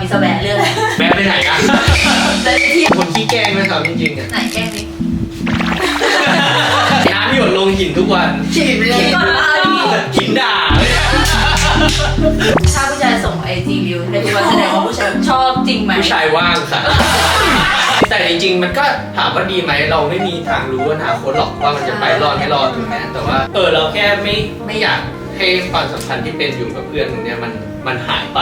จะแวะเรื่องอะไรแม่ไปไหนกันแต่ที่คนขี้แกล้งไหมครับจริงๆอ่ะไหนแกล้งนิดน้ำหยดลงหินทุกวันฉีดไปเลยก่อนว่าหินด่าถ้าผู้ชายส่งIG วิวในทุกวันแสดงว่าผู้ชายชอบจริงไหมผู้ชายว่างค่ะแต่จริงๆมันก็ถามว่าดีไหมเราไม่มีทางรู้อนาคตหรอกว่ามันจะไปรอดไม่รอดถูกไหมแต่ว่าเราแค่ไม่อยากให้ความสัมพันธ์ที่เป็นอยู่กับเพื่อนตรงเนี้ยมันหายไป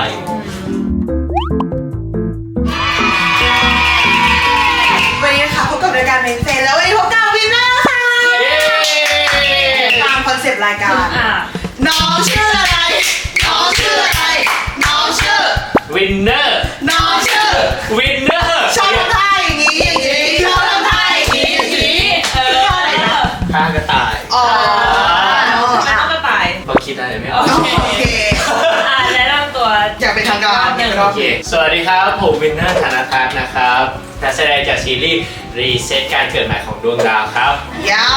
วันนี้นะคะพบกับรายการเมนเซนแล้ววันนี้พบกับวินเนอร์ค่ะตามคอนเซปต์รายการน้องชื่ออะไรน้องชื่ออะไรน้องชื่อวินเนอร์น้องชื่อวินเนอร์ชอบทำท่าอย่างนี้อย่างนี้ชอบทำท่าอย่างนี้อย่างนี้อะไรนะฆ่ากระต่ายอ๋อไม่ต้องกระต่ายเราคิดอะไรไม่ออกโอเคแนะนำตัวอยากเป็นทางการโอเคสวัสดีครับผมวินเนอร์ธนทัศน์นะครับนักแสดงจากซีรีส์รีเซ็ตการเกิดใหม่ของดวงดาวครับยา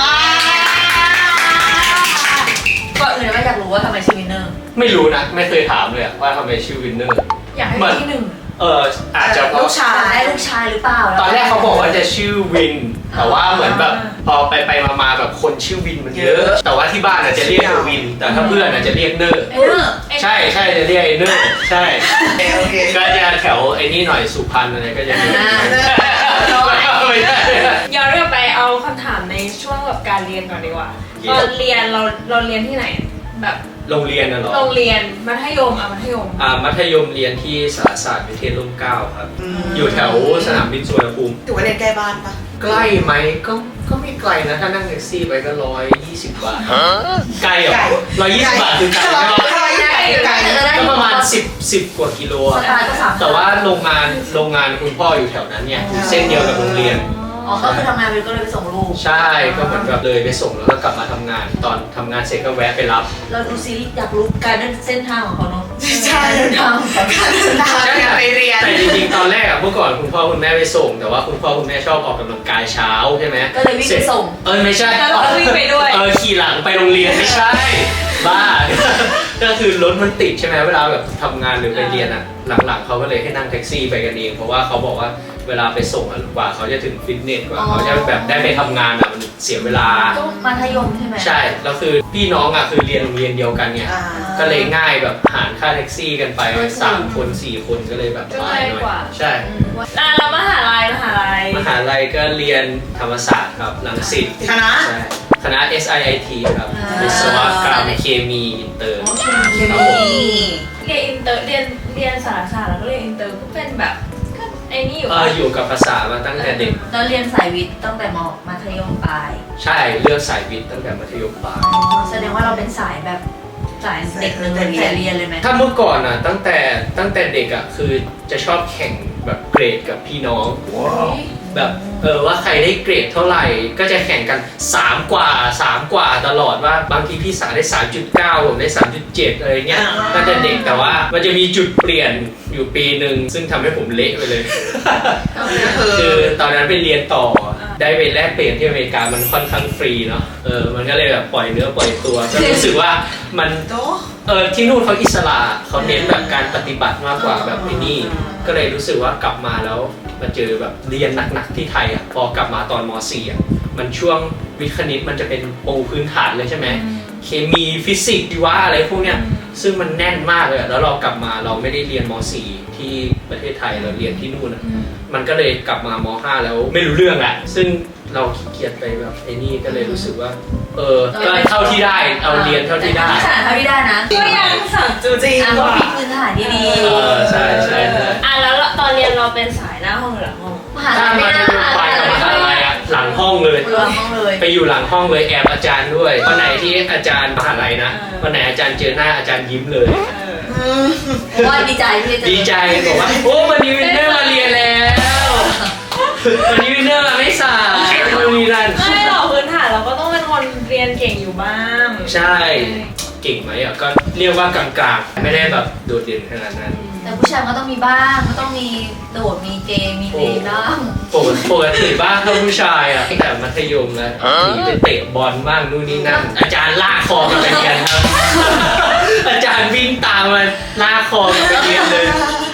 ก่อนอื่นไม่อยากรู้ว่าทำไมชื่อวินเนอร์ไม่รู้นะไม่เคยถามเลยว่าทำไมชื่อวินเนอร์อยากให้เป็นที่หนึ่งอาจจะเพลูราะกชายได้ลูกชายหรือเปล่าตอนแรกเขาบอกว่าจะชื่อวิน แต่ว่าเหมือนแบบพอไปมาแบบคนชื่อวินมันเยอะ แต่ว่าที่บ้านอาจจะเรียกวิน แต่ถ้าเพื่อนอาจจะเรียกเนอร์เออใช่จะเรียกไอ้เนอร์ใช่โอเคก็จะแถวไอ้นี่หน่อยสุพรรณอะไรก็จะเรียกไม่ได้ย้อนกลับไปเอาคำถามในช่วงแบบการเรียนก่อนดีกว่าตอนเรียนเราเรียนที่ไหนแบบโรงเรียนน่ะเหรอโรงเรียนมัธยมมัธยมมัธยมเรียนที่สารศาสตร์วิเทศร่มเกล้าครับ อยู่แถวสนามบินสุวรรณภูมิถือว่าเรียนใกล้บ้านปะใกล้ไหมก็ไม่ไกลนะ ถ้านั่งแท็กซี่ไปก็120 บาท ไกลเหรอ120 บาทคือไกลไหมไกลก็ประมาณ10 กว่ากิโลสอะตาร์ก็3 แต่ว่าโรงงานคุณพ่ออยู่แถวนั้นเนี่ยอยู่เส้นเดียวกับโรงเรียนอ๋อก็คือทำงานไปก็เลยไปส่งลูกใช่ก็เหมือนแบบเลยไปส่งแล้วก็กลับมาทำงาน ตอนทำงานเสร็จก็แวะไปรับเราดูซีรีส์อยากรู้การเดินเส้นทางของเขาเนาะใช่เดินทางของเขาใช่ไปเรียนแต่จริงๆ ตอนแรกอะเมื่อก่อนคุณพ่อคุณแม่ไปส่ง แต่ว่าคุณพ่อคุณแม่ชอบออกกำลังกายเช้าใช่ไหมก็เลยวิ่งไปส่งไม่ใช่แล้วเราก็วิ่งไปด้วยขี่หลังไปโรงเรียนไม่ใช่ บ้า ก็คือรถมันติดใช่ไหมเวลาแบบทำงานหรือไปเรียนอะหลังๆเขาก็เลยให้นั่งแท็กซี่ไปกันเองเพราะว่าเขาบอกว่าเวลาไปส่งอะกว่าเขาจะถึงฟิตเนสกว่าเขาจะแบบได้ไปทำงานอะมันเสียเวลาก็มัธยมใช่ไหมใช่แล้วคือพี่น้องอะคือเรียนโรงเรียนเดียวกันเนี่ยก็เลยง่ายแบบหารค่าแท็กซี่กันไป3 คน 4 คนก็เลยแบบก็ง่ายกว่าใช่แล้วมหาลัยมหาลัยก็เรียนธรรมศาสตร์ครับรังสิตคณะใช่คณะ SIIT ครับวิศวกรรมเคมีอินเตอร์เคมีเรียนอินเตอร์เรียนสารศาสตร์แล้วก็เรียนอินเตอร์ก็เป็นแบบก็ไอ้นี่อยู่อยู่กับภาษามาตั้งแต่เด็กเราเรียนสายวิทย์ตั้งแต่มัธยมปลายใช่เลือกสายวิทย์ตั้งแต่มัธยมปลายแสดงว่าเราเป็นสายแบบสายเด็กเลยแต่เรียนเลยไหมถ้าเมื่อก่อนอ่ะตั้งแต่เด็กอ่ะคือจะชอบแข่งแบบเกรดกับพี่น้องแบบว่าใครได้เกรดเท่าไหร่ก็จะแข่งกัน3 กว่าตลอดว่าบางทีพี่สาวได้ 3.9 ผมได้ 3.7 อะไรเงี้ยตั้งแต่เด็กแต่ว่ามันจะมีจุดเปลี่ยนอยู่ปีหนึ่งซึ่งทำให้ผมเละไปเลย คือตอนนั้นไปเรียนต่อได้ไปแลกเปลี่ยนที่อเมริกามันค่อนข้างฟรีเนาะมันก็เลยแบบปล่อยเนื้อปล่อยตัวก็รู้สึกว่ามันที่นู่นเขาอิสระเขาเน้นแบบการปฏิบัติมากกว่าแบบที่นี่ก็เลยรู้สึกว่ากลับมาแล้วมาเจอแบบเรียนหนักๆที่ไทยอ่ะพอกลับมาตอนม .4 อ่ะมันช่วงวิทย์คณิตมันจะเป็นปูพื้นฐานเลยใช่ไหมเคมีฟิสิกส์ชีวะอะไรพวกเนี้ยซึ่งมันแน่นมากเลยแล้วเรากลับมาเราไม่ได้เรียนม .4 ที่ประเทศไทยเราเรียนที่นู่นอะมันก็เลยกลับมาม .5 แล้วไม่รู้เรื่องอะซึ่งเราขี้เกียจไปแบบไอ้นี่ก็เลยรู้สึกว่าก็เท่าที่ได้เอาเรียนเท่าที่ได้ขนาดเท่าที่ได้นะก็ยัง3.4 จริงก็ว่ะมีพื้นฐานที่ดีใช่แล้วตอนเรียนเราเป็นสายหน้าห้องหรือหลังห้องมหาถ้าลัยไม่มาน่าจะไปกับมหาลัยอะหลังห้องเลยหลังห้องเลยไปอยู่หลังห้องเลยแอบอาจารย์ด้วยวันไหนที่อาจารย์มหาลัยนะวันไหนอาจารย์เจอหน้าอาจารย์ยิ้มเลยเพราะว่าดีใจที่จะดีใจบอกว่าโอ้วันนี้วินเนอร์มาเรียนแล้ววันนี้วินเนอร์มาไม่สายมีรันไม่หรอกพื้นฐานเราก็ต้องเป็นคนเรียนเก่งอยู่บ้างใช่เก่งไหมอ่ะก็เรียกว่ากลางๆไม่ได้แบบโดดเด่นขนาดนั้นแต่ผู้ชายก็ต้องมีบ้างก็ต้องมีโดดมีเกมมีเลนบ้างปกติบ้างถ้าผู้ชายอ่ะตั้งแต่มัธยมแล้วหนีไปเตะบอลบ้างนู่นนี่นั่นอาจารย์ลากคอกันไปเรียนครับ อาจารย์วิ่งตามมาลากคอกันไปเรียนเลย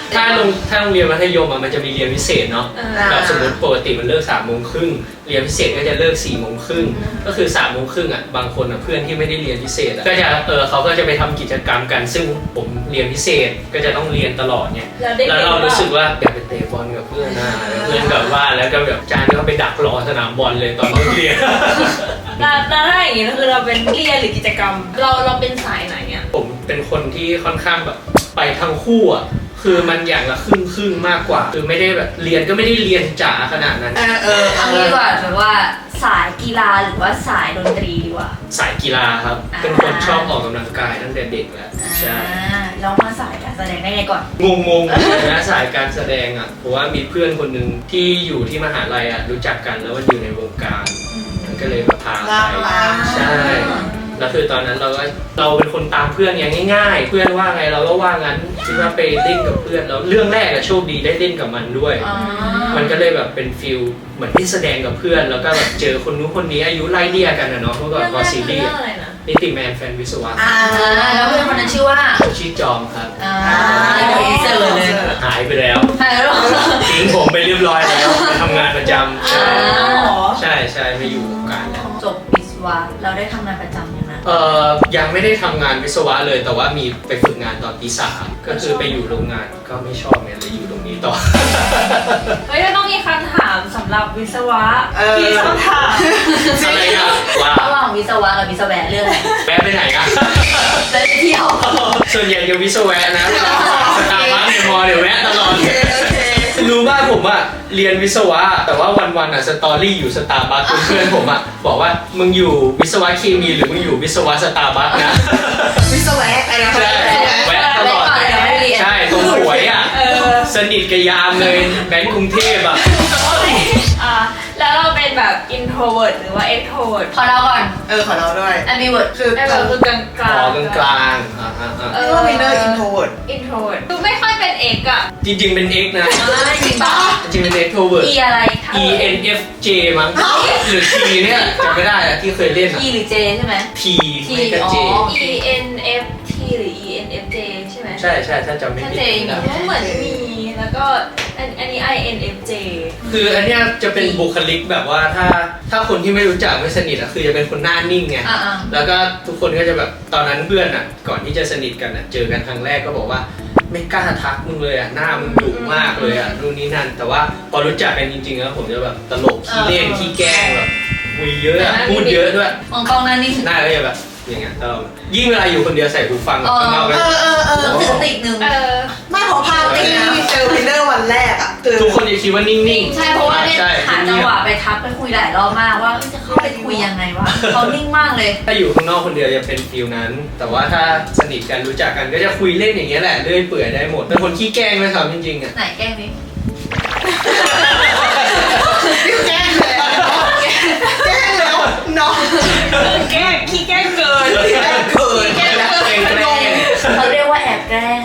ถ้าโรงเรียนมัธยมมันจะมีเรียนพิเศษเนาะแบบสมมติปกติมันเลิก3:30เรียนพิเศษก็จะเลิก4:30ก็คือ3:30บางคนเพื่อนที่ไม่ได้เรียนพิเศษก็จะเขาก็จะไปทำกิจกรรมกันซึ่งผมเรียนพิเศษก็จะต้องเรียนตลอดเนี่ยแล้วเรารู้สึกว่าอยากไปเตะบอลกับเพื่อนนะเพื่อนแบบว่าแล้วก็แบบอาจารย์ก็ไปดักรอสนามบอลเลยตอนเลิกเรียนแล้วถ้าอย่างงี้ก็คือเราเป็นเรียนหรือกิจกรรมเราเป็นสายไหนเนี่ยผมเป็นคนที่ค่อนข้างแบบไปทั้งคู่อ่ะคือมันอย่างละครึ่งมากกว่าคือไม่ได้แบบเรียนก็ไม่ได้เรียนจ๋าขนาดนั้นเอางี้ดีกว่าแบบว่าสายกีฬาหรือว่าสายดนตรีดีกว่าสายกีฬาครับเป็นคนชอบออกกำลังกายตั้งแต่เด็กแล้วใช่แล้วมาสายการแสดงได้ไงก่อนงงนะสายการแสดงอ่ะเพราะว่ามีเพื่อนคนหนึ่งที่อยู่ที่มหาลัยอ่ะรู้จักกันแล้วว่าอยู่ในวงการมันก็เลยพาไปใช่แล้วคือตอนนั้นเราเป็นคนตามเพื่อนอย่างง่ายๆเพื่อนว่าไงเราก็ว่างั้นคิดว่าไปเล่นกับเพื่อนแล้วเรื่องแรกอะโชคดีได้เล่นกับมันด้วยมันก็เลยแบบเป็นฟิลเหมือนที่แสดงกับเพื่อนแล้วก็แบบเจอคนนู้นคนนี้อายุไล่เลี่ยกันนะเนาะเมื่อก่อนพอซีรีส์นิติแมนแฟนวิศวะแล้วเพื่อนคนนั้นชื่อว่าชื่อจอมครับเจอเลยหายไปแล้วทิ้งผมไปเรียบร้อยแล้วไปทำงานประจำใช่ไม่อยู่วงการแล้วจบวิศวะเราได้ทำงานประจำยังไงยังไม่ได้ทำงานวิศวะเลยแต่ว่ามีไปฝึกงานตอนปี 3ก็คือไปอยู่โรงงานก็ไม่ชอบเนี่ยเลยอยู่ตรงนี้ต่อเฮ้ยต้องมีคำถามสำหรับวิศวะที่คำถามอะไรครับว่าระหว่างวิศวะกับวิศวะเรื่องอะไรแวะไปไหนกันไปเที่ยวส่วนใหญ่จะวิศวะนะสตาร์บัคในมอเดี๋ยวแวะตลอดรู้ว่าผมอะเรียนวิศวะแต่ว่าวันๆอะสตอรี่อยู่สตาร์บัคเพื่อนผมอะบอกว่ามึงอยู่วิศวะเคมีหรือมึงอยู่วิศวะสตาร์บัคนะวิศวะอะไรนะใช่แวะตลอดใช่ตรงหวยอะสนิทกับยามเลยแบงค์กรุงเทพอะแล้วเราเป็นแบบ introvert หรือว่า extrovert ขอเราก่อนขอเราด้วย ambivert คือกลางกลางว่าเป็นintrovert ดูไม่ค่อยเป็น X อ่ะจริงๆเป็น X นะจริงปะจริงเป็น extrovert E อะไร ENFJ มั้งหรือ T เนี่ยจำไม่ได้อะที่เคยเล่น E หรือ J ใช่ไหม T ไม่ก็ J ENFT หรือ ENFJ ใช่ไหมใช่ถ้าจำไม่ผิดเหมือนมีแล้วก็อันนี้ INFJ คืออันเนี้ยจะเป็นบุคลิกแบบว่าถ้าคนที่ไม่รู้จักไม่สนิทอะคือจะเป็นคนหน้านิ่งไงแล้วก็ทุกคนก็จะแบบตอนนั้นเพื่อนอะก่อนที่จะสนิทกันอะเจอกันครั้งแรกก็บอกว่าไม่กล้าทักมึงเลยอะหน้ามึงดุมากเลยอะนู่นนี่นั่นแต่ว่าพอรู้จักกันจริงๆแล้วผมจะแบบตลกขี้เล่นขี้แกล้งแบบคุยเยอะพูดเยอะด้วยมองกล้องหน้านิ่งหน้าก็จะแบบอย่างเงี้ยยิ่งเวลาอยู่คนเดียวใส่หูฟังข้างนอกก็มีสติหนึ่งไม่พอพาไปเจอวินเนอร์วันแรกอ่ะทุกคนจะคิดว่านิ่งๆใช่เพราะว่าเนี่ยหาจังหวะไปทักไปคุยหลายรอบมากว่าจะเข้าไปคุยยังไงวะเขานิ่งมากเลยถ้าอยู่ข้างนอกคนเดียวจะเป็นฟิลนั้นแต่ว่าถ้าสนิทกันรู้จักกันก็จะคุยเล่นอย่างเงี้ยแหละเรื่อยเปื่อยได้หมดเป็นคนขี้แกล้งไหมครับจริงๆอ่ะไหนแกล้งนี้แกล้งแล้วน้องขี้แกล้งเกินเขาเรียกว่าแอบแกล้ง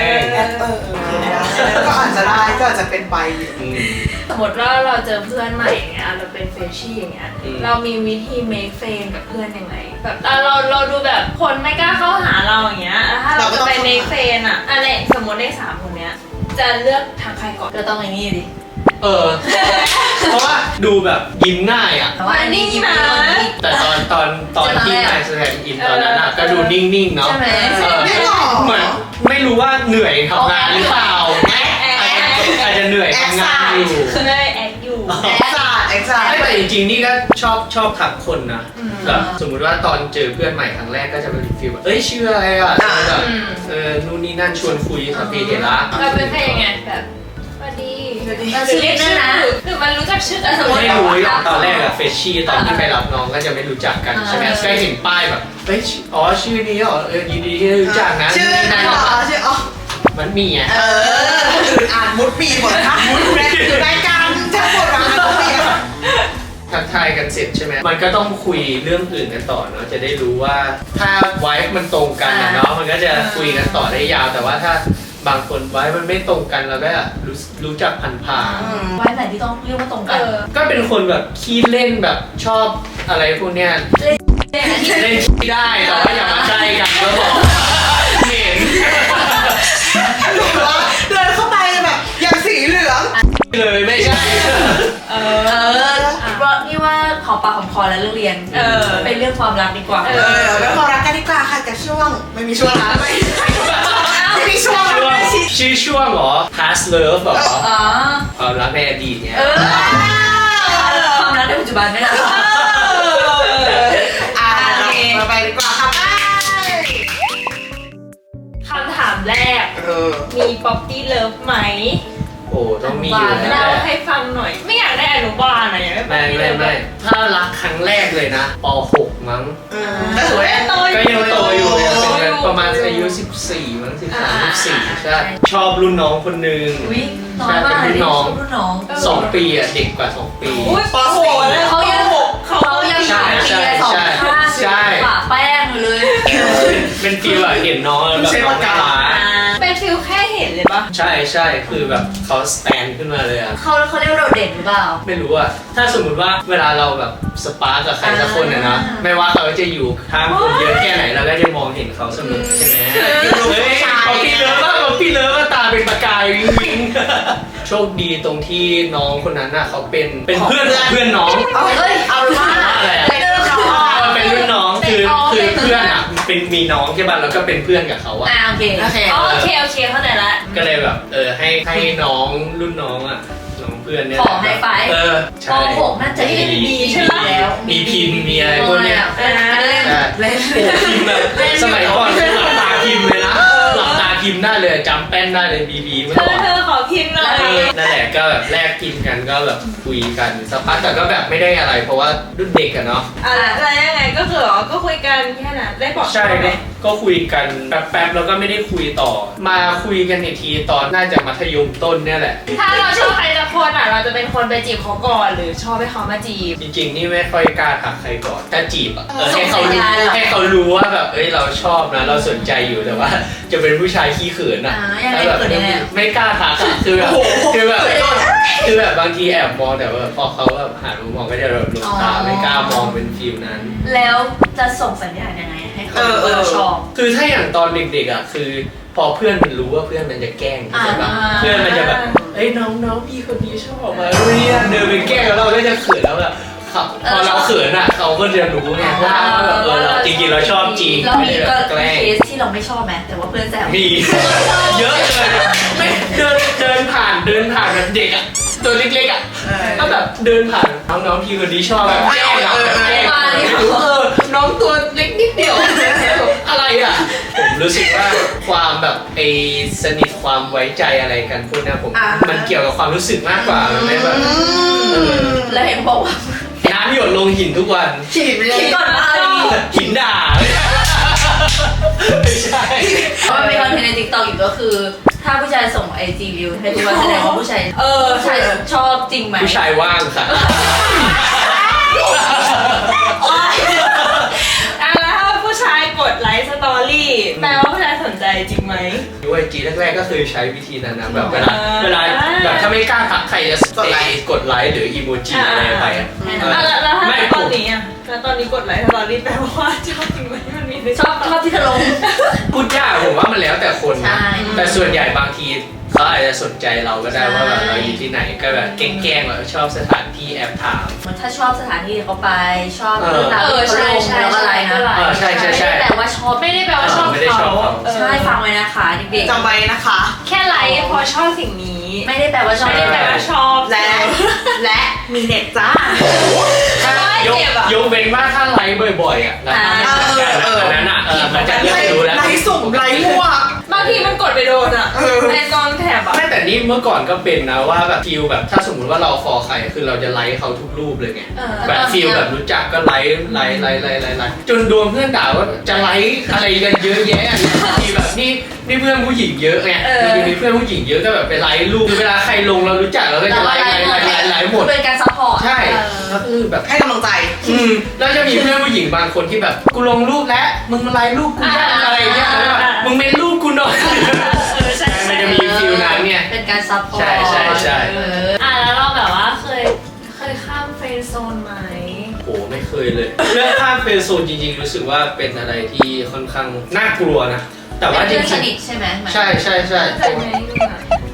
ก็อาจจะได้ก็อาจจะเป็นไปสมมติว่าเราเจอเพื่อนใหม่อย่างเงี้ยเราเป็นเฟรชชี่อย่างเงี้ยเรามีวิธี make friend กับเพื่อนยังไงแบบเราดูแบบคนไม่กล้าเข้าหาเราอย่างเงี้ยถ้าเราจะไป make friend อะอะไรสมมติใน3คนเนี้ยจะเลือกทางใครก่อนก็ต้องอย่างนี้ดิเพราะว่าดูแบบยิ้มง่ายอ่ะว่านี่ยิ้มนะแต่ตอนที่นายแสดงอินตอนนั้นก็ดูนิ่งๆเนาะใช่ไหมเหมือนไม่รู้ว่าเหนื่อยทำงานหรือเปล่าอาจจะเหนื่อยทำงานอยู่แอคอยู่แต่จริงๆนี่ก็ชอบทักคนนะแบบสมมุติว่าตอนเจอเพื่อนใหม่ครั้งแรกก็จะเป็นฟีลแบบชื่ออะไรอ่ะแบบนู่นนี่นั่นชวนคุยสัพเพเหระเราเป็นใครยังไงแบบชื่อนั่นนะคือมันรู้จักชื่อสมมติไม่รู้ตอนแรกอะเฟชชี่ตอนที่ไปรับน้องก็จะไม่รู้จักกันใช่ไหมก็เห็นป้ายแบบชื่อนี้เหรอยินดีที่รู้จักนะชื่อนั่นเหรอชื่อมันมีอ่ะอ่านมุดปีหมดนะมุดแรกรายการทั้งหมดอ่านมุดปีทักทายกันเสร็จใช่ไหมมันก็ต้องคุยเรื่องอื่นกันต่อเนาะจะได้รู้ว่าถ้าไวฟ์มันตรงกันนะเนาะมันก็จะคุยกันต่อได้ยาวแต่ว่าถ้าบางคนไว้มันไม่ตรงกันแล้วก็รู้จักผ่านไว้ไหนที่ต้องเรียกว่าตรงกันก็เป็นคนแบบขี้เล่นแบบชอบอะไรพวกเนี้ยเล่นขี้ได้แต่ว่าอย่ามาใกล้กันก็บอกเหม็นเดินเข้าไปเรื่องเรียนเป็นเรื่องความรักดีกว่าแล้วพอรักกันดีกว่าค่ะกับช่วงไม่มีช่วงนะไม่มีช่วงชื่อช่วงเหรอ past love เหรออ๋อความรักในอดีตเนี่ยความรักในปัจจุบันไม่ได้มาไปดีกว่าค่ะไปคำถามแรก มี Poppy Love ไหมโอ้ต้องมีอยู่แล้วเล่าแหละให้ฟังหน่อย ไม่อยากได้อนุบาลอะอยากได้ไม่ถ้ารักครั้งแรกเลยนะป .6 มั้งก็ถือว่าก็ยังโตอยู่ยังเป็นประมาณอายุ14มั้ง13 14ใช่ชอบรุ่นน้องคนหนึ่งอุ้ยน้อยมากเลยรุ่นน้อง 2 ปีอ่ะเด็กกว่า 2 ปีอุ้ยป .4 แล้วเขายัง2 ปี2 ข้างปะแป้งเลยเป็นฟีลแบบเห็นน้องแบบน้องน่ารักเป็นฟิลแค่เห็นเลยปะใช่คือแบบเขาสแตนขึ้นมาเลยอ่ะเขาเรียกว่าโดดเด่นหรือเปล่าไม่รู้อ่ะถ้าสมมติว่าเวลาเราแบบสปาร์กกับใครสักคนเนี่ยนะไม่ว่าเขาจะอยู่ข้างคนเยอะแค่ไหนเราก็จะมองเห็นเขาเสมอใช่ไหมเฮ้ยเขาพี่เลิฟว่าตาเป็นประกายวิงโชคดีตรงที่น้องคนนั้นน่ะเขาเป็นเพื่อนของเพื่อนน้องเฮ้ยเอาว่าอะไรอ่ะเป็นรุ่นน้องคือเพื่อนอ่ะเป็นมีน้องใช่ป่ะแล้วก็เป็นเพื่อนกับเขาอ่ะโอเคโอเคเข้าใจละก็เลยแบบให้น้องรุ่นน้องอ่ะน้องเพื่อนเนี่ยขอให้ไปปป .6 น่าจะมีใช่ไหมแล้วมีพิมพ์มีอะไรพวกเนี้ยเล่นโอ้พิมพ์แบบสมัยก่อนคือหลับตาพิมพ์เลยนะหลับตาพิมพ์ได้เลยจำแป้นได้เลยบีเมื่อก่อนเธอขอพิมพ์หน่อยนั่นแหละก็แบบแลกพิมพ์กันก็แบบคุยกันสักพักแต่ก็แบบไม่ได้อะไร เพราะว่ารุ่นเด็กอะเนาะอะไรยังไงก็คือก็คุยกันแค่นั้นได้บอกใช่ก็คุยกันแป๊บๆแล้วก็ไม่ได้คุยต่อ มาคุยกันอีกทีตอนน่าจะมัธยมต้นเนี่ยแหละถ้าเราชอบใครสักคนเราจะเป็นคนไปจีบเขาก่อนหรือชอบให้เขามาจีบจริงๆนี่ไม่ค่อยกล้าทักใครก่อนถ้าจีบอะให้เขารู้ว่าแบบเราชอบนะเราสนใจอยู่แต่ว่าจะเป็นผู้ชายขี้เขินอะแล้วแบบไม่กล้าทักอะคือแบบบางทีแอบมองแต่ว่าพอเขาแบบหันมามองก็จะแบบหลบตาไม่กล้ามองเป็นฟิลนั้นแล้วจะส่งสัญญาณยังไงให้เขารู้ว่าเราชอบคือถ้าอย่างตอนเด็กๆอ่ะคือพอเพื่อนมันรู้ว่าเพื่อนมันจะแกล้งใช่ปะเพื่อนมันจะแบบน้องพี่คนนี้ชอบมาเนี่ยเดินไปแกล้งแล้วเราก็จะเขินแล้วแบบพอเราเขินอ่ะเขาก็จะรู้ไงว่าแบบเราจริงๆเราชอบจริงเราไม่มีได้แบก็บแกล้งเคสที่เราไม่ชอบไหมแต่ว่าเพื่อนแซวมีเยอะเลยไม่เดินผ่านแบบเด็กอ่ะตัวเล็กๆอ่ะก็แบบเดินผ่านน้องพี่คนนี้ชอบแบบแกล้งน้องตัวเล็กนิดเดียวอะไรอ่ะผมรู้สึกว่าความแบบสนิทความไว้ใจอะไรกันพวกนี้ผมมันเกี่ยวกับความรู้สึกมากกว่ามันไม่แบบแล้วเห็นบอกว่าน้ำหยดลงหินทุกวันฉีดไปเลยคิดก่อนว่าหินด่าไม่ใช่เพราะมันมีคอนเทนต์ใน TikTok อยู่ก็คือ ถ้าผู้ชายส่ง IG รีวิวให้ทุกวันแสดงว่าผู้ชายชอบจริงไหมผู้ชายว่างค่ะแล้วถ้าผู้ชายกดไลค์สตอรี่แปลว่าผู้ชายสนใจจริงไหมดูไอจีแรกๆก็คือใช้วิธีนั้นนะแบบเวลาแบบถ้าไม่กล้าทักใครจะกดไลค์หรืออีโมจิอะไรไปอ่ะแล้วถ้าตอนนี้แล้วตอนนี้กดไลค์สตอรี่แปลว่าชอบจริงไหมมันมีชอบที่เธอลงพูดยากผมว่ามันแล้วแต่คนนะใช่แต่ส่วนใหญ่บางทีเขาอาจจะสนใจเราก็ได้ว่าแบบเราอยู่ที่ไหนก็แบบแกล้งๆแบบชอบสถานที่แอบถามถ้าชอบสถานที่เขาไปชอบเรื่องราวที่เขาลงแล้วอะไรนะใช่แต่ว่าชอบไม่ได้แปลว่าชอบไม่ได้ชอบเขาเขาใช่ฟังไว้นะคะเด็กจำไว้นะคะแค่ไลค์พอชอบสิ่งนี้ๆไม่ได้แปลว่าชอบไม่ได้แปลว่าชอบและมีเน็ตจ้ายกเว้นว่าถ้าไลค์บ่อยๆอ่ะแล้วอันนั้นอ่ะมันจะเริ่มรู้แล้วไลค์สุ่มไลค์มั่วบางทีมันกดไปโดนอ่ะในกองแถบอ่ะไม่แต่นี่เมื่อก่อนก็เป็นนะว่าแบบฟิลแบบถ้าสมมติว่าเราฟอลใครคือเราจะไลค์เขาทุกรูปเลยไงแบบฟิลแบบรู้จักก็ไลค์จนโดนเพื่อนด่าว่าจะไลค์อะไรกันเยอะแยะทีแบบนี่เพื่อนผู้หญิงเยอะไงมีเพื่อนผู้หญิงเยอะก็แบบไปไลค์รูปเวลาใครลงเรารู้จักเราก็จะไลค์หมดเป็นการซัพพอร์ตใช่ก็คือแบบให้กำลังใจแล้วจะมีเพื่อนผู้หญิงบางคนที่แบบกูลงรูปแล้วมึงมาไลค์รูปกูยังอะไรเงี้ยแล้วแบบมึงเมนรูปกูหน่อยมันจะมีฟิลนั้นเนี่ยเป็นการซัพพอร์ตใช่แล้วเราแบบว่าเคยข้ามเฟรนด์โซนไหมโหไม่เคยเลยเรื่องข้ามเฟรนด์โซนจริงๆรู้สึกว่าเป็นอะไรที่ค่อนข้างน่ากลัวนะแต่ว่าจริงสนิทใช่ไหมใช่เคยไหม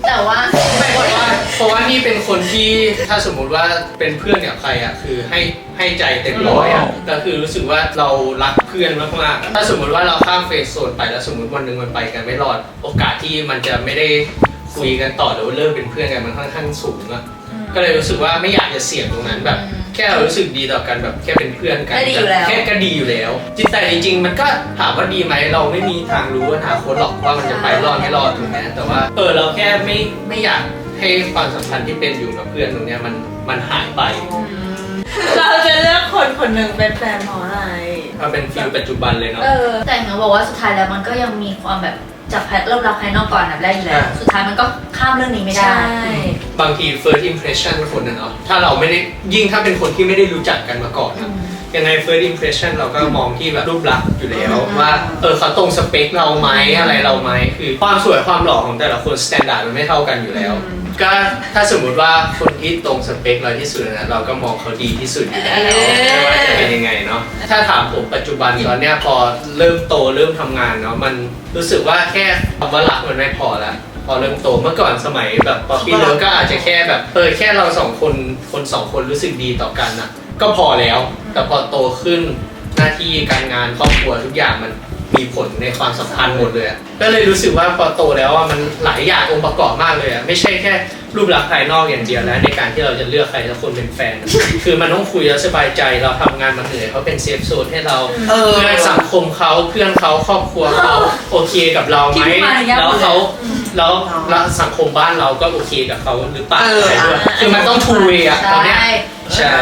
แต่ว่าไม่เพราะว่านี่เป็นคนที่ถ้าสมมุติว่าเป็นเพื่อนกับใครอ่ะคือให้ใจเต็มร้อยอ่ะก็คือรู้สึกว่าเรารักเพื่อนมากๆถ้าสมมุติว่าเราข้ามเฟสโซนไปแล้วสมมุติวันหนึ่งมันไปกันไม่รอดโอกาสที่มันจะไม่ได้คุยกันต่อหรือว่าเลิกเป็นเพื่อนกันมันค่อนข้างสูงอ่ะก็เลยรู้สึกว่าไม่อยากจะเสี่ยงตรงนั้นแบบแค่เรารู้สึกดีต่อกันแบบแค่เป็นเพื่อนกันแค่ก็ดีอยู่แล้วแต่จริงๆมันก็ถามว่าดีไหมเราไม่มีทางรู้อนาคตหรอกว่ามันจะไปรอดไม่รอดถูกไหมแต่ว่าเราแค่ไม่อยากให้ความสัมพันธ์ที่เป็นอยู่กับเพื่อนตรงเนี้ยมันหายไปเราจะเลือกคนคนหนึ่งเป็นแฟนเพราะอะไรมันเป็นฟีลปัจจุบันเลยเนาะแต่หนูบอกว่าสุดท้ายแล้วมันก็ยังมีความแบบจับเริ่มรักภายนอกก่อนแบบแรกอยู่แล้วสุดท้ายมันก็ข้ามเรื่องนี้ไม่ได้บางที first impression คนน่ะเนาะถ้าเราไม่ได้ยิ่งถ้าเป็นคนที่ไม่ได้รู้จักกันมาก่อนยังไง first impression เราก็มองที่แบบรูปลักษณ์อยู่แล้วว่าเขาตรงสเปคเราไหมอะไรเราไหมคือความสวยความหล่อของแต่ละคน standard มันไม่เท่ากันอยู่แล้วก็ถ้าสมมุติว่าคนที่ตรงสเปคเราที่สุดนะเราก็มองเขาดีที่สุดอยู่แล้วไม่ว่าจะเป็นยังไงเนาะถ้าถามผมปัจจุบันตอนเนี้ยพอเริ่มโตเริ่มทำงานเนาะมันรู้สึกว่าแค่คำว่ารักมันไม่พอแล้วพอเริ่มโตเมื่อก่อนสมัยแบบป๊อปปี้เลิฟก็อาจจะแค่แบบแค่เราสองคนรู้สึกดีต่อกันนะก็พอแล้วแต่พอโตขึ้นหน้าที่การงานครอบครัวทุกอย่างมันมีผลในความสัมพันธ์หมดเลยก็เลยรู้สึกว่าพอโตแล้วมันหลายอย่างองค์ประกอบมากเลยไม่ใช่แค่รูปลักษณ์ภายนอกอย่างเดียวแล้วในการที่เราจะเลือกใครสักคนเป็นแฟน คือมันต้องคุยแล้วสบายใจเราทำงานมาเหนื่อยเขาเป็นเซฟโซนให้เราเพื่อนสังคมเขาเพื่อนเขาครอบครัวเขาโอเคกับเราไหมแล้วสังคมบ้านเราก็โอเคกับเขาหรือเปล่าคือมันต้องทูเวย์อะตอนเนี้ยใช่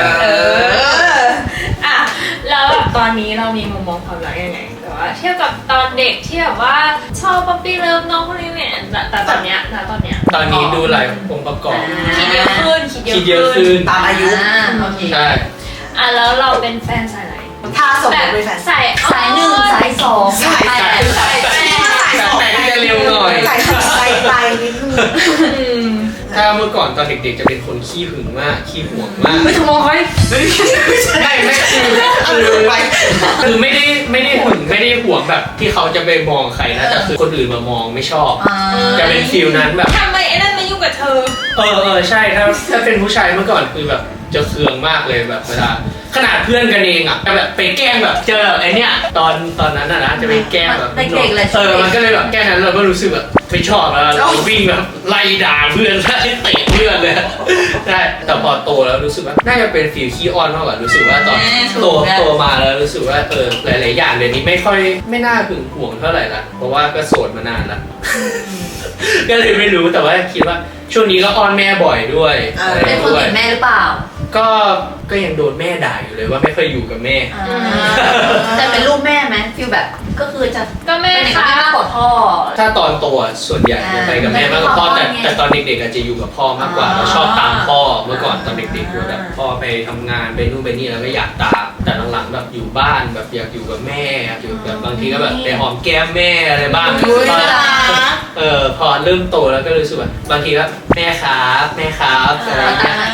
แล้วแบบตอนนี้เรามีมุมมองความรักยังไงแต่ว่าเทียบกับตอนเด็กที่แบบว่าชอบป๊อปปี้เลิฟน้องคนนี้เนี่ยแต่ตอนเนี้ยตอนนี้ดูหลายองค์ประกอบคิดเยอะขึ้นตามอายุใช่แล้วเราเป็นแฟนสายไหนถ้าสมมติเป็นแฟนสาย1สาย2สาย 8จะเร็วหน่อยไปนิดนึงถ้าเมื่อก่อนตอนเด็กๆจะเป็นคนขี้หึงมากขี้ห่วงมากไม่ทำมองใครไม่คือไม่ได้หึงไม่ได้ห่วงแบบที่เขาจะไปมองใครนะแต่คือคนอื่นมามองไม่ชอบจะเป็นฟีลนั้นแบบทำไมไอ้นั่นมายุ่งกับเธอใช่ถ้าเป็นผู้ชายเมื่อก่อนคือแบบจะเคืองมากเลยแบบเวลาขนาดเพื่อนกันเองอ่ะแบบไปแกล้งแบบเจอไอ้เนี้ยตอนนั้นนะจะไปแกล้งแบบมันก็เลยแบบแกล้งนั้นเราก็รู้สึกแบบไม่ชอบแล้วเราวิ่งแบบไล่ด่าเพื่อนไล่เตะเพื่อนเลยใช่แต่พอโตแล้วรู้สึกว่าน่าจะเป็นฟีลขี้อ้อนมากกว่ารู้สึกว่าตอนโตมาแล้วรู้สึกว่าหลายๆอย่างเดี๋ยวนี้ไม่น่าหึงหวงเท่าไหร่ละเพราะว่าก็โสดมานานละก็เลยไม่รู้แต่ว่าคิดว่าช่วงนี้ก็อ้อนแม่บ่อยด้วยเป็นคนติดแม่หรือเปล่าก็ยังโดนแม่ด่าอยู่เลยว่าไม่เคยอยู่กับแม่แต่เป็นลูกแม่ไหมฟีลแบบก็คือจะก็แม่ค่ะมากกว่าพ่อถ้าตอนโตส่วนใหญ่จะไปกับแม่มากกว่าพ่อแต่ตอนเด็กๆอาจจะอยู่กับพ่อมากกว่าเราชอบตามพ่อเมื่อก่อนตอนเด็กๆแบบพ่อไปทำงานไปนู่นไปนี่แล้วก็อยากตามแต่หลังๆแบบอยู่บ้านแบบอยากอยู่กับแม่อยู่แบบบางทีก็แบบไปหอมแก้มแม่อะไรบ้างพอเริ่มโตแล้วก็รู้สึกว่าบางทีก็แม่ครับอะไรเงี้ย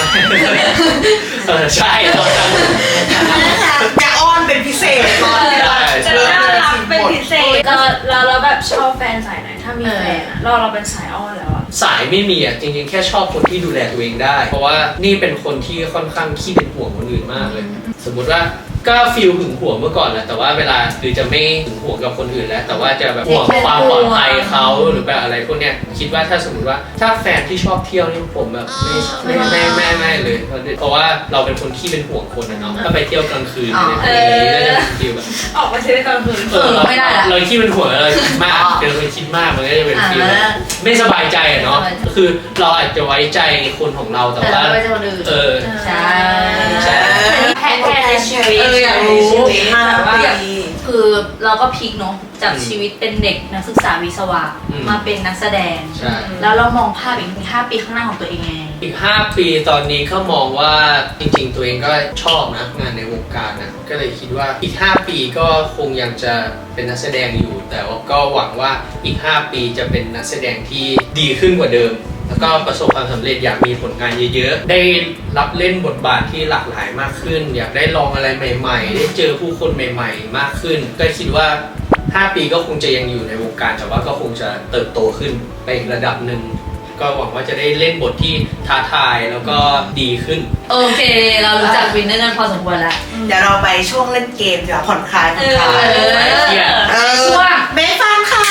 ใช่ตอนนั้นอยากอ้อนเป็นพิเศษตอนที่เราจะน่ารักเป็นพิเศษเราแบบชอบแฟนสายไหนถ้ามีแฟนเราเป็นสายอ้อนแล้วอะสายไม่มีอ่ะจริงๆแค่ชอบคนที่ดูแลตัวเองได้เพราะว่านี่เป็นคนที่ค่อนข้างขี้เป็นห่วงคนอื่นมากเลยสมมุติว่าก็ฟีลหึงหวงเมื่อก่อนแหละแต่ว่าเวลาคือจะไม่หึงหวงกับคนอื่นแล้วแต่ว่าจะแบบห่วงความปลอดภัยเขาหรือแบบอะไรพวกเนี้ยคิดว่าถ้าสมมติว่าถ้าแฟนที่ชอบเที่ยวนี่ผมแบบไม่เลยเพราะว่าเราเป็นคนขี้เป็นห่วงคนนะเนาะถ้าไปเที่ยวกลางคืนอะไรอย่างนี้ก็จะเป็นฟีลแบบออกมาเที่ยวกลางคืนไม่ได้ละเราขี้เป็นห่วงเราคิดมากเป็นคนคิดมากมันก็จะเป็นฟีลไม่สบายใจเนาะคือเราอาจจะไว้ใจคนของเราแต่ว่าใช่แพ้ในชีวิตอยากรู้คือเราก็พลิกเนาะจากชีวิตเป็นเด็กนักศึกษาวิศวะมาเป็นนักแสดงแล้วเรามองภาพอีก5 ปีข้างหน้าของตัวเองไงอีก5 ปีตอนนี้ก็มองว่าจริงๆตัวเองก็ชอบนะงานในวงการนะก็เลยคิดว่าอีก5 ปีก็คงยังจะเป็นนักแสดงอยู่แต่ว่าก็หวังว่าอีก5 ปีจะเป็นนักแสดงที่ดีขึ้นกว่าเดิมแล้วก็ประสบความสำเร็จอยากมีผลงานเยอะๆได้รับเล่นบทบาทที่หลากหลายมากขึ้นอยากได้ลองอะไรใหม่ๆได้เจอผู้คนใหม่ๆมากขึ้นก็คิดว่า5 ปีก็คงจะยังอยู่ในวงการแต่ว่าก็คงจะเติบโตขึ้นไปอีกระดับหนึ่งก็หวังว่าจะได้เล่นบทที่ท้าทายแล้วก็ดีขึ้นโอเคเรารู้จักวินเนอร์กันพอสมควรแล้วเดี๋ยวเราไปช่วงเล่นเกมเดี๋ยวผ่อนคลายผ่อนคลายช่วงเมฟังค่ะ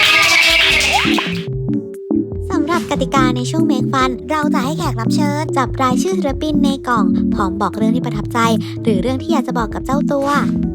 สำหรับกติกาในช่วง Make Fun เราจะให้แขกรับเชิญจับรายชื่อศิลปินในกล่องพร้อมบอกเรื่องที่ประทับใจ หรือเรื่องที่อยากจะบอกกับเจ้าตัว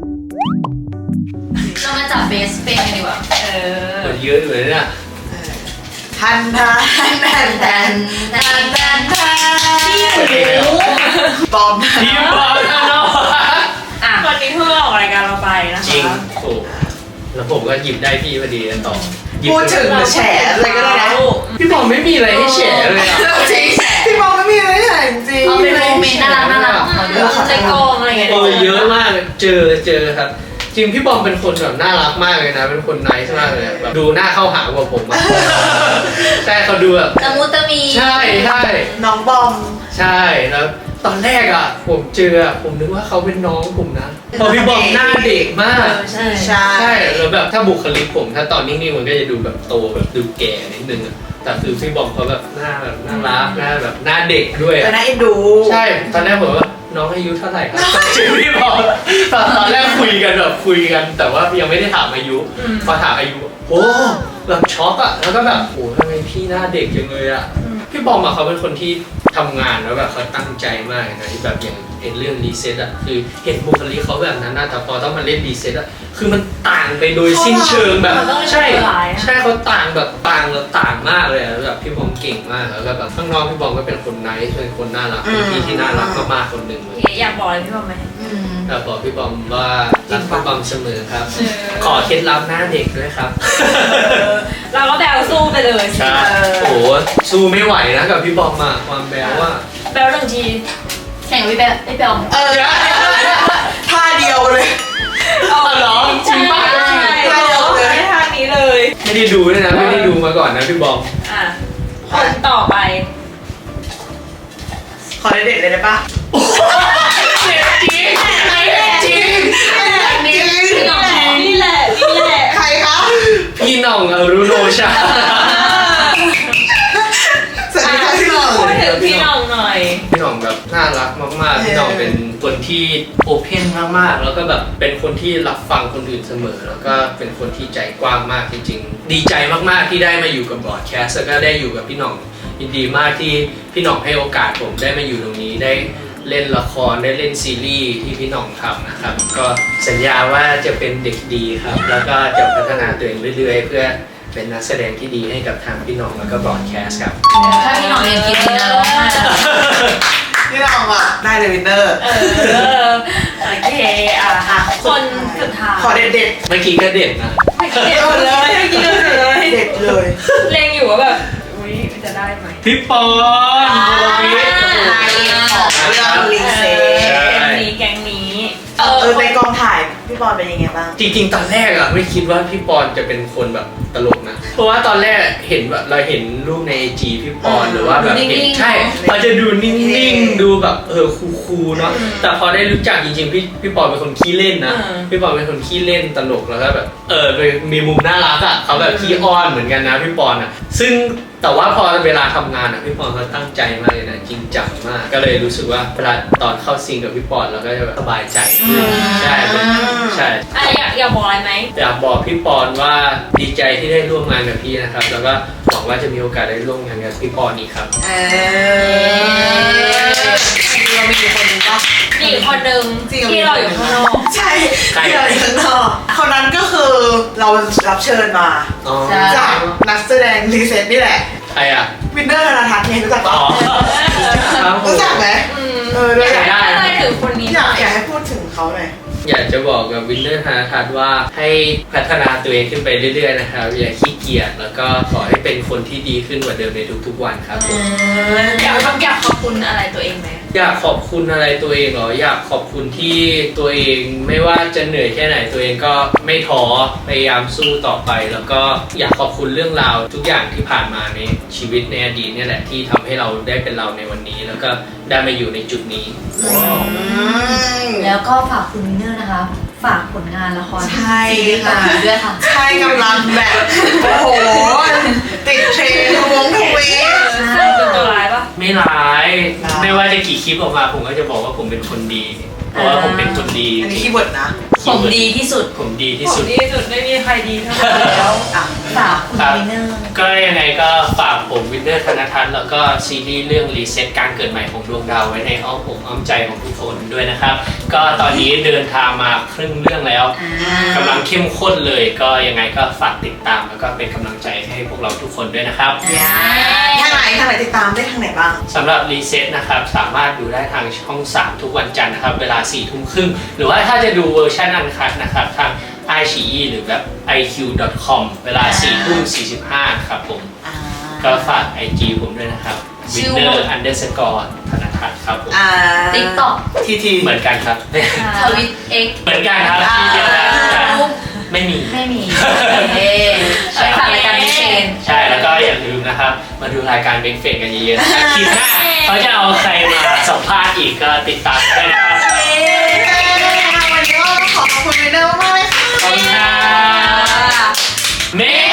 เรามาจับเบสเฟนกันดีกว่าเยอะอยู่เลยเนี่ยทันทันทันทันทันทันทันบอมพี่บอลนะเนาะอ่ะวันนี้เพิ่งออกรายการเราไปนะคะจริงโอ้แล้วผมก็หยิบได้พี่พอดีต่อพูดถึงแฉอะไรก็ได้นะพี่บอลไม่มีอะไรให้แฉเลยอ่ะจริงพี่บอมไม่มีอะไรแฉจริงเอาเป็นโมเมนต์น่ารักของเขาด้วยในกองอะไรอย่างเงี้ยเยอะมากเจอครับ จริงพี่บอมเป็นคนแบบน่ารักมากเลยนะเป็นคนไนท์มากเลยแบบดูหน้าเข้าหากว่าผมอะใช่เขาดูแบบตะมุตะมีใช่น้องบอมใช่แล้วตอนแรกอ่ะผมเจอผมนึกว่าเขาเป็นน้องผมนะพอพี่บอมหน้าเด็กมากใช่ใช่ใช่แล้วแบบถ้าบุคลิกผมถ้าตอนนิ่งๆมันก็จะดูแบบโตแบบดูแก่นิดนึงอะแต่คือพี่บอมเขาแบบหน้าแบบน่ารักหน้าแบบหน้าเด็กด้วยแต่น่าเอ็นดูใช่ตอนแรกผมว่าน้องอายุเท่าไหร่ครับชื่อพี่บอมตอนแรกคุยกันแต่ว่ายังไม่ได้ถามอายุพอถามอายุโอ้แบบช็อกอะแล้วก็แบบโอ้ทำไมพี่หน้าเด็กจังเลยอะพี่บอมอะเขาเป็นคนที่ทำงานแล้วแบบเขาตั้งใจมากนะที่แบบอย่างเรื่องรีเซ็ตอะคือเห็นบุคลิกเขาแบบนั้นนะแต่พอต้องมาเล่นรีเซ็ตอะคือมันต่างไปโดยสิ้นเชิงแบบใช่เขาต่างแบบต่างมากเลยอะแบบพี่บอมเก่งมากแล้วก็แบบข้างนอกพี่บอมก็เป็นคนไนท์เป็นคนน่ารักเป็นพี่ที่น่ารักมากๆคนหนึ่งเลยอยากบอกอะไรพี่บอมไหมอยากบอกพี่บอมว่ารักพี่บอมเสมอครับ ขอเคล็ดลับหน้าเด็กด้วยครับเราก็แบลสู้ไปเลยใช่โอ้โหสู้ไม่ไหวนะกับพี่บอมอะความแบวว่าแบลหนึ่งทีแข่งกับพี่แบไอ้เปลท่าเดียวเลยเหรอจริงป่ะไม่ทางนี้เลยไม่ได้ดูด้วยนะไม่ได้ดูมาก่อนนะพี่บอมอ่ะคนต่อไปขอเด็ดเลยได้ปะจริงจริงพี่น้องนี่แหละใครคะพี่หน่องอรุโนชาสวัสดีค่ะพี่หน่องพูดถึงพี่น้องหน่อยพี่หน่องแบบน่ารักมากๆพี่หน่องเป็นคนที่โอเพนมากๆแล้วก็แบบเป็นคนที่รับฟังคนอื่นเสมอแล้วก็เป็นคนที่ใจกว้างมากจริงๆดีใจมากๆที่ได้มาอยู่กับบอร์ดแคสต์แล้วก็ได้อยู่กับพี่หน่องยินดีมากที่พี่หน่องให้โอกาสผมได้มาอยู่ตรงนี้ได้เล่นละครได้เล่นซีรีส์ที่พี่หน่องทำนะครับก็สัญญาว่าจะเป็นเด็กดีครับแล้วก็จะพัฒนาตัวเองเรื่อยๆเพื่อเป็นนักแสดงที่ดีให้กับทางพี่หน่องแล้วก็บอร์ดแคสต์ครับถ้าพี่น้องเรียนกินดีนะร้องไห้พี่หน่องอ่ะได้เลยวินเนอร์โอเคอ่ะคนสุดท้ายขอเด็ดเมื่อกี้ก็เด็ดนะเด็กหมดเลยเด็กเลยเด็ดเลยเล็งอยู่ว่าแบบอุ้ยจะได้ไหมพี่ปอนโบวิทนายของเรื่องรีเซ็ตแก๊งนี้ในกองถ่ายพี่บอลเป็นยังไงบ้างจริงๆตอนแรกอะไม่คิดว่าพี่ปอนจะเป็นคนแบบตลกนะเพราะว่าตอนแรกเห็นแบบเราเห็นรูปใน IG พี่ปอนหรือว่าแบบเห็นใช่มันจะดูนิ่งๆดูแบบคูลๆเนาะแต่พอได้รู้จักจริงๆพี่ปอนเป็นคนขี้เล่นนะพี่ปอนเป็นคนขี้เล่นตลกแล้วก็แบบมีมุมน่ารักอะเขาแบบขี้อ้อนเหมือนกันนะพี่ปอนอะซึ่งแต่ว่าพอเวลาทำงานอะพี่ปอนเขาตั้งใจมากเลยนะจริงจังมากก็เลยรู้สึกว่าเวลาตอนเข้าซีนกับพี่ปอนเราก็จะแบบสบายใจขึ้นใช่ใช่อยากบอกอะไรไหมอยากบอกพี่ปอนว่าดีใจที่ได้ร่วมงานกับพี่นะครับแล้วก็หวังว่าจะมีโอกาสได้ร่วมงานกับพี่ปอนอีกครับเรามีคนนึงปะมีอีกคนนึงที่เราอยู่ข้างนอกใช่ที่เราอยู่ข้างนอกคนนั้นก็คือเรารับเชิญมาอ๋อจากนักแสดงรีเซ็ตนี่แหละใครอ่ะวินเนอร์ธนาทัศน์ไงรู้จักอ๋ปะอครับผมรู้จักไหมด้วยได้อะไรถึงคนนี้อยากให้พูดถึงเขาหน่อยอยากจะบอกกับวินเนอร์ธนาทัศน์ว่าให้พัฒนาตัวเองขึ้นไปเรื่อยๆนะครับอย่าขี้เกียจแล้วก็ขอให้เป็นคนที่ดีขึ้นกว่าเดิมในทุกๆวันครับผมอยากขอบคุณอะไรตัวเองไหมอยากขอบคุณอะไรตัวเองเหรออยากขอบคุณที่ตัวเองไม่ว่าจะเหนื่อยแค่ไหนตัวเองก็ไม่ท้อพยายามสู้ต่อไป แล้วก็อยากขอบคุณเรื่องราวทุกอย่างที่ผ่านมาในชีวิตในอดีตเนี่ยแหละที่ทำให้เราได้เป็นเราในวันนี้ แล้วก็ได้มาอยู่ในจุดนี้แล้วก็ฝากคุณวินเนอร์นะคะ ฝากผลงานละครใช่ค่ะด้วยค่ะใช่กำลังแบบโอ้โหติดเทรนด์ทวงทวีตไม่ร้ายไม่ว่าจะกี่คลิปออกมาผมก็จะบอกว่าผมเป็นคนดีเพราะว่าผมเป็นคนดีอันนี้คีย์เวิร์ดนะผมดีที่สุดผมดีที่ผสุมดดีที่สุดไม่มีใครดีเท่าแล้วอ่ะฝากคุณวินเนอร์ก็ยังไงก็ฝากผมวินเนอร์ธนทัศน์แล้วก็ซีรีส์เรื่องรีเซ็ตการเกิดใหม่ของดวงดาวไว้ในอ้อมอกอ้อมใจของทุกคนด้วยนะครับก็ตอนนี้เดินทางมาครึ่งเรื่องแล้วกำลังเข้มข้นเลยก็ยังไงก็ฝากติดตามแล้วก็เป็นกำลังใจให้พวกเราทุกคนด้วยนะครับทางไหนติดตามได้ทางไหนบ้างสำหรับรีเซ็ตนะครับสามารถดูได้ทางช่อง 3 ทุกวันจันทร์นะครับเวลา 4 ทุ่มครึ่งหรือว่าถ้าจะดูเวอร์ชันอันคัทนะครับทาง iQIYI หรือแบบ iq.com เวลา 4 ทุ่ม 45 ครับผมก็ฝาก IG ผมด้วยนะครับ winner_ธนทัศน์ครับผมติ๊กต็อกทีเหมือนกันครับทวิตเอ็กเหมือนกันครับที่เดียวกันไม่มีไม่มีไปฝากรายการพิเศษใช่แล้วก็อย่าลืมนะครับมาดูรายการเบงเฟนกันเยอะๆนะครับทีหน้าเขาจะเอาใครมาสัมภาษณ์อีกก็ติดตามได้นะครับวันนี้ก็ขอขอบคุณวินเนอร์มากเลยค่ะขอบคุณครับเม